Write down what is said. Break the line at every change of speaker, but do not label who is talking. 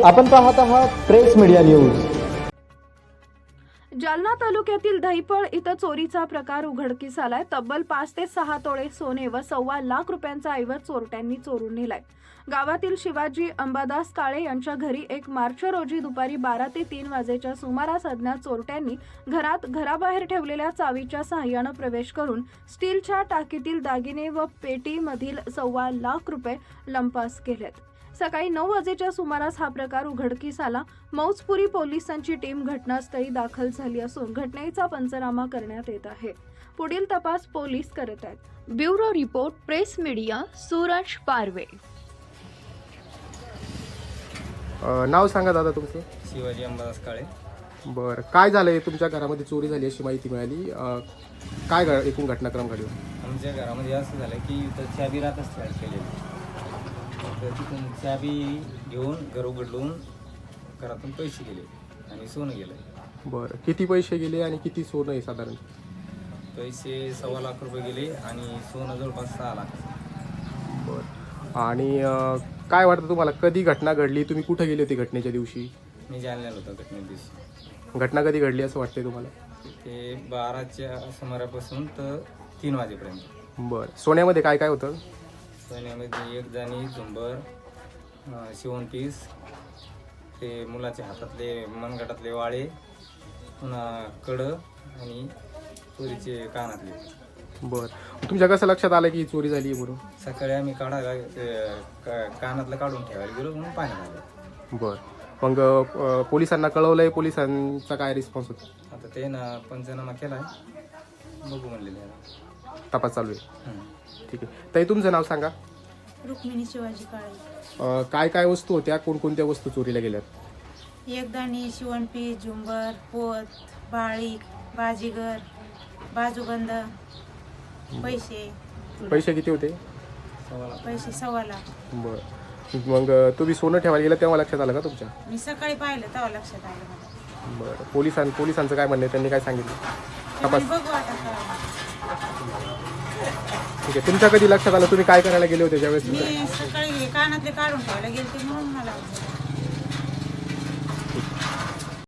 आपण पाहत आहात प्रेस मीडिया न्यूज।
जालना तालुक्यातील दहिपळ इथं चोरीचा प्रकार उघडकीस आलाय। तब्बल 5 ते 6 तोळे सोने व ₹1.25 लाख रुपयांचा ऐवज चोरट्यांनी चोरून नेलाय। गावातील शिवाजी अंबादास काळे यांच्या घरी 1 मार्च रोजी दुपारी 12 ते 3 वाजेच्या सुमारास अज्ञात चोरट्यांनी घराबाहेर ठेवलेल्या चावीच्या सहाय्याने प्रवेश करून स्टीलच्या टाकीतील दागिने व पेटीमधील ₹1.25 लाख रुपये लंपास केलेत। सकाळी 9 वाजेच्या सुमारास हा प्रकार उघडकीस आला। मौजपुरी पोलिसांची टीम घटनास्थळी दाखल झाली असून घटनेचा पंचनामा करण्यात येत आहे। पुढील तपास पोलीस करत आहेत। Bureau report, press media, Suraj Parve.
नाव सांगा दादा तुमचं?
शिवाजी अंबादास काळे।
बरं, काय झालंय? तुमच्या घरामध्ये चोरी झाली अशी माहिती मिळाली, काय एकूण घटनाक्रम घडला?
आमच्या घरामध्ये असं झालं की इथं चाबी राहतच केलेली, तर तिथून चाबी घेऊन घर उघडून घरातून पैसे गेले आणि सोनं गेलं।
बरं, किती पैसे गेले आणि किती सोनं आहे साधारण?
पैसे ₹1.25 लाख गेले आणि सोनं जवळपास 6 लाख।
बरं, आणि काय वाटतं तुम्हाला, कधी घटना घडली? तुम्ही कुठे गेले होते घटनेच्या दिवशी?
मी जालन्याला होतो घटने दिवशी।
घटना कधी घडली असं वाटतंय तुम्हाला?
ते 12च्या सुमारापासून तर 3 वाजेपर्यंत।
बरं, सोन्यामध्ये काय काय होतं?
सोन्यामध्ये 1 जाणी, झुंबर, शिवण पीस, ते मुलाच्या हातातले मनगटातले वाळे, पुन्हा कडं आणि चोरीचे कानातले।
बरं, तुमच्या कसं लक्षात आलं की ही चोरी झाली म्हणून?
सकाळी आम्ही कानातलं काढून ठेवायला गेलो म्हणून पाण्यात आलं।
बरं, मग पोलिसांना कळवलंय? पोलिसांचा काय रिस्पॉन्स होता?
आता ते ना पंचनामा केलाय, बघू म्हणलेले आहे।
तपास चालू आहे। ठीक आहे ताई, तुमचं नाव सांगा?
रुक्मिणी शिवाजी काळे।
काय काय वस्तू होत्या, कोणकोणत्या वस्तू चोरीला गेल्यात?
1 दाणी, शिवणपीस, झुंबर, पोत, बाळी, बाजीगर, बाजूबंद,
पैसे किती होते?
पैसे ₹1.25 लाख।
बरं, मग तुम्ही सोनं ठेवायला गेलं तेव्हा लक्षात आलं का तुमच्या?
मी सकाळी पाहिलं तेव्हा लक्षात आलं मला।
बरं, पोलिसांचं काय म्हणणं आहे? त्यांनी काय सांगितलं? तपास
बघू आता काय।
ठीक आहे, तुमच्या कधी लक्षात आलं? तुम्ही काय करायला गेले होते ज्यावेळेस?
मी सकाळी कानातले काढून ठेवायला गेले म्हणून मला